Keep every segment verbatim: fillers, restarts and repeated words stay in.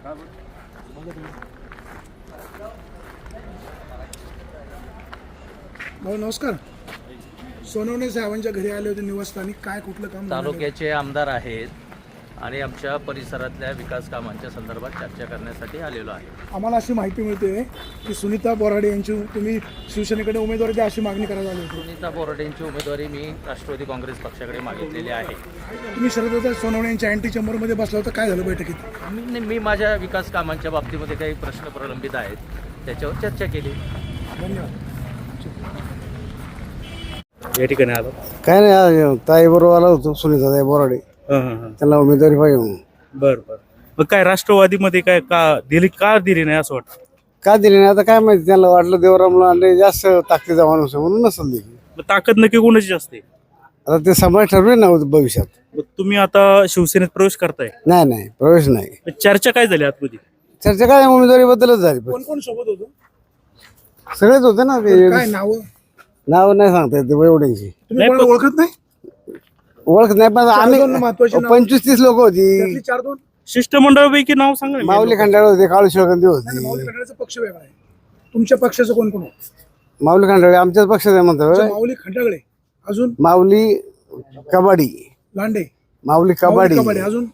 भाऊ नमस्कार. सोनवणे साहेबांच्या घरी आले होते निवासस्थानी, काय कुठलं काम? तालुक्याचे आमदार आहेत आणि आमच्या परिसरातल्या विकास कामांच्या संदर्भात चर्चा करण्यासाठी आलेलो आहे. आम्हाला अशी माहिती मिळते की सुनीता बोराडे यांची तुम्ही शिवसेनेकडे उमेदवारी द्या अशी मागणी करायला आली होती. सुनीता बोराडेंची उमेदवारी मी राष्ट्रवादी काँग्रेस पक्षाकडे मागितलेली आहे. तुम्ही शरद सोनवणे यांच्या अँटी चेंबरमध्ये बसला होता, काय झालं बैठकीत? मी मी माझ्या विकास कामांच्या बाबतीमध्ये काही प्रश्न प्रलंबित आहेत त्याच्यावर चर्चा केली. धन्यवाद. या ठिकाणी आलो. काय नाही, ताई बरोबर आला होतो सुनीता ताई बोराडे, त्यांना उमेदवारी पाहिजे म्हणून. बर बर मग काय राष्ट्रवादीमध्ये काय का दिली का दिली नाही असं वाटतं? का दिली नाही आता काय माहिती, त्यांना वाटलं देवरामला आणले जास्त ताकदीचा माणूस आहे म्हणून नसेल दिली. मग ताकद नक्की कोणाची जास्त आहे? आता ते समाज ठरवे ना भविष्यात. मग तुम्ही आता शिवसेनेत प्रवेश करताय? नाही नाही प्रवेश नाही. मग चर्चा काय झाली आतमध्ये? चर्चा काय उमेदवारी बद्दलच झाली. कोण कोण सोबत होतं? सगळेच होते ना ते. काय नाव? नाव नाही सांगता येते एवढ्यांची, तुम्ही कोणाला ओळखत नाही? ओळख नाही पण आम्ही महत्वाची नावं. पंचवीस तीस लोक होती. त्यातली चार दोन शिष्टमंडळापैकी नाव सांगा ना. माऊली खंडाळे होते, काळू शिवगंधी नाही, माऊली होती. खंडाळेचा पक्ष वेगळा आहे. तुमच्या पक्षाचं कोण कोण होतं? माऊली खंडाळे आमच्याच पक्षात आहे म्हणतो. माऊली खंडागळे, अजून माऊली कबाडी, लांडे, माऊली कबाडी, कबाडी, अजून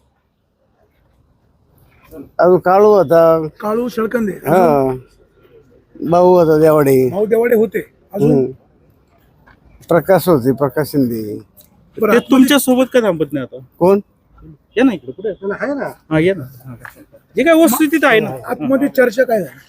अजून काळू होता, काळू शेळकंदे, हा भाऊ होता देवाडे, भाऊ देवाडे होते, अजून प्रकाश होते, प्रकाश शिंदे. बरं, ते तुमच्या सोबत का थांबत नाही आता? कोण? या ना इकडे, पुढे त्याला आहे ना. हा या ना. हा. जे काय वस्तुस्थिती आहे ना. आतमध्ये चर्चा काय झाली?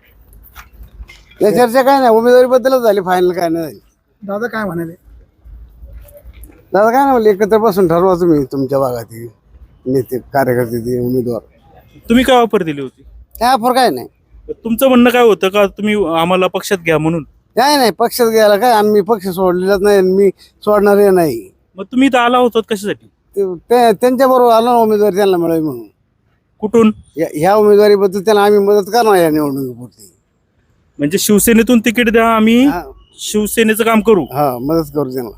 या चर्चा काय नाही, उमेदवारी बद्दलच झाली, फायनल काय नाही झाली. दादा काय म्हणाले? दादा काय नाही म्हणले, एकत्र बसून ठरवा तुम्ही तुमच्या भागातील नेते कार्यकर्ते ते उमेदवार. तुम्ही काय ऑफर दिली होती? काय फरक काय नाही. तुमचं म्हणणं काय होतं का तुम्ही आम्हाला पक्षात घ्या म्हणून? काय नाही, पक्षात घ्यायला काय, आम्ही पक्ष सोडलेलाच नाही, मी सोडणार नाही. मग तुम्ही इथं आला होतात कशासाठी? त्यांच्या बरोबर आलो ना उमेदवारी त्यांना मिळावी म्हणून. कुठून? या- ह्या उमेदवारीबद्दल त्यांना आम्ही मदत करणार या निवडणुकीपुरती. म्हणजे शिवसेनेतून तिकीट द्या, आम्ही हा शिवसेनेचं काम करू. हा, मदत करू त्यांना.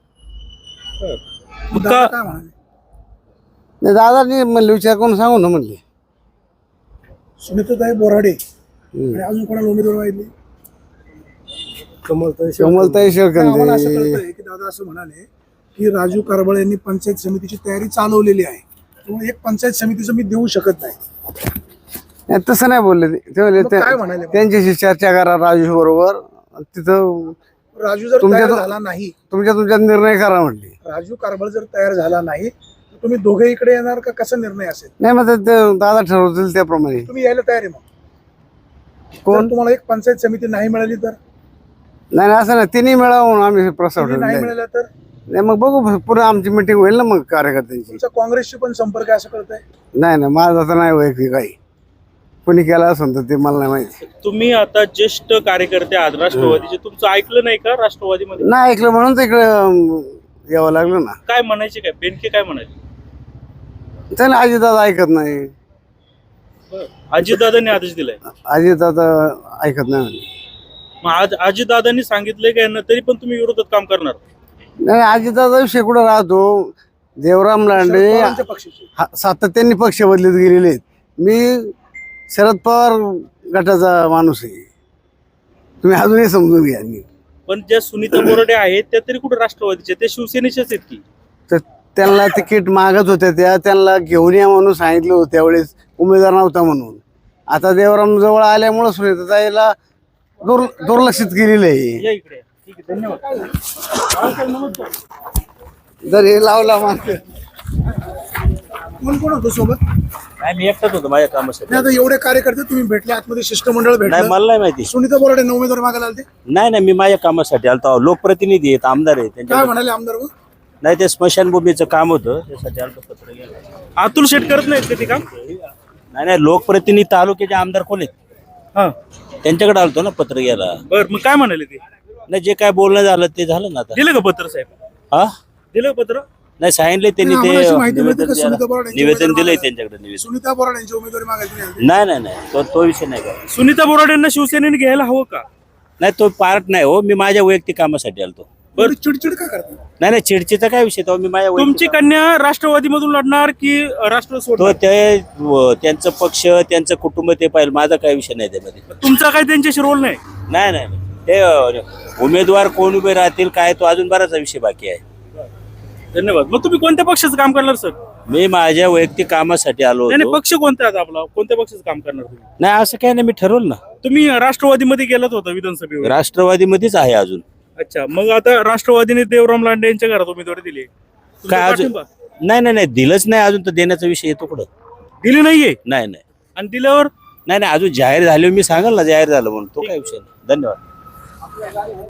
मग दादा का काय म्हणाले? नाही दादानी म्हणले विचार करून सांगू ना म्हणले. सुनीताताई बोराडे आणि अजून कोणाला उमेदवार माहिती? कमलताई आम्हाला असं शेळकंदे. कळतंय की दादा असं म्हणाले की राजू कारबळ यांनी पंचायत समितीची तयारी चालवलेली आहे, त्यामुळे एक पंचायत समितीचं मी देऊ शकत नाही. नाही, तसं नाही बोलले ते. ते म्हणले मग त्या- काय म्हणाले? त्यांच्याशी चर्चा करा राजू बरोबर, तिथं राजू जर तुमच्या तयार तो- झाला नाही, तुमच्या तुमच्यात निर्णय करा म्हणले. राजू कारबळ जर तयार झाला नाही तर तुम्ही दोघे इकडे येणार का? कसा निर्णय असेल? नाही मग ते- ते दादा ठरवतील त्याप्रमाणे. तुम्ही यायला तयार आहे? मग कोण? जर तुम्हाला एक पंचायत समिती नाही मिळाली तर? नाही नाही, असं नाही, तिन्ही मिळावं म्हणून आम्ही प्रस्ताव तिन्ही नाही ठेवला. मिळाला तर? नाही मग बघू, पुढे आमची मिटिंग होईल ना मग कार्यकर्त्यांची. तुमचा काँग्रेसशी पण संपर्क आहे असं कळतंय? नाही नाही, माझा तर नाही वैयक्तिक काही, कोणी केला असेल तर ते मला नाही माहिती. तुम्ही आता ज्येष्ठ कार्यकर्ते आहात राष्ट्रवादीचे, तुमचं ऐकलं नाही का राष्ट्रवादीमध्ये? नाही ऐकलं म्हणून तर इकडे अं, यावं लागलं ना. काय म्हणायचे, काय बेनके काय म्हणाले? त्याला अजितदादा ऐकत नाही, अजितदादांनी आदेश दिलाय. अजितदादा ऐकत नाही. मग आज अजितदादांनी सांगितलंय काय ना, तरी पण तुम्ही विरोधात काम करणार? नाही अजितदादा विषय कुठं राहतो, देवराम लांडे शरद पवारांच्या पक्षाची. हा- सातत्याने पक्ष बदलत गेलेले आहेत. मी शरद पवार गटाचा माणूस आहे, तुम्ही अजूनही समजून घ्या. पण ज्या सुनीता बोराडे आहेत त्या तरी कुठे राष्ट्रवादीचे, ते शिवसेनेचेच आहेत की. तर त्यांना तिकीट मागत होत्या, त्या त्यांना घेऊन या म्हणून सांगितलं होतं त्यावेळेस, उमेदवार नव्हता म्हणून. आता देवराम जवळ आल्यामुळं सुनीताताईला दुर् दुर्लक्षित केलेलं आहे. या इकडे. ठीक आहे, धन्यवाद. जर हे लावला मागं कोण कोण होतं सोबत? नाही मी एकटाच होतो माझ्या कामासाठी. नाही, आता एवढे कार्यकर्ते तुम्ही भेटले, आतमध्ये शिष्टमंडळ नाही भेटलं. मला नाही माहिती. सुनीता बोराडे उमेदवार मागायला आले, नाही नाही मी माझ्या कामासाठी आलतो. लोकप्रतिनिधी आहेत, आमदार आहेत काय त्यांच्या. म्हणाले आमदार? मग नाही ते स्मशानभूमीचं काम होतं त्यासाठी आलतो, पत्र गेलं. अतुल शेट करत नाहीत का ते काम? नाही नाही लोकप्रतिनिधी तालुक्याचे आमदार कोण आहेत हा त्यांच्याकडे आलतो ना पत्र घ्यायला. बर, मग काय म्हणाले ते? नाही जे काय बोलणं झालं ते झालं ना आता. दिलं का पत्र साहेब? हा दिलं का पत्र? नाही सांगितले त्यांनी नाही, ते आम्हाला अशी माहिती मिळते निवेदन का सुनीता द्यायला- बोराडे यांची निवेदन उमेदवार दिलंय मागायला- त्यांच्याकडे निवेदन. सुनीता बोराडे यांची उमेदवारी मागायला तुम्ही आले? नाही नाही नाही तो तो विषय नाही का. सुनीता बोराडेंना शिवसेनेने घ्यायला हवं का? नाही तो पार्ट नाही हो, मी माझ्या वैयक्तिक कामासाठी आलतो. एवढी चिडचिड का करता? नाही नाही चिडचिडचा काय विषय तो मी माझ्या तुमची कन्या राष्ट्रवादी मधून लढणार की राष्ट्र तो सोडणार? ते व- त्यांचं पक्ष त्यांचं कुटुंब ते पाहिजे, माझा काय विषय नाही त्यामध्ये. तुमचा काही त्यांच्याशी रोल नाही? नाही नाही नाही. ते अ, उमेदवार कोण उभे राहतील काय तो अजून बराचसा विषय बाकी आहे. धन्यवाद. मग तुम्ही कोणत्या पक्षाचं काम करणार सर? मी माझ्या वैयक्तिक कामासाठी आलो नाही नाही, होतो. पक्ष कोणता आहे आता आपला? कोणत्या पक्षाचं काम करणार तुम्ही? नाही असं काय नाही, मी ठरवलं ना तुम्ही राष्ट्रवादीमध्ये गेलात होता विधानसभेवर. राष्ट्रवादीमध्येच आहे अजून. अच्छा, मग आता राष्ट्रवादीने देवराम लांडे यांच्या घरात उमेदवारी दिली. तुमचा काय अजून पाठिंबा? नाही नाही नाही दिलंच नाही अजून, तर देण्याचा विषय येतो कुठं? दिली नाहीये. नाही नाही आणि दिल्यावर नाही नाही अजून जाहीर झाले मी सांगाल ना जाहीर झालं म्हणून, तो काय विषय नाही. धन्यवाद.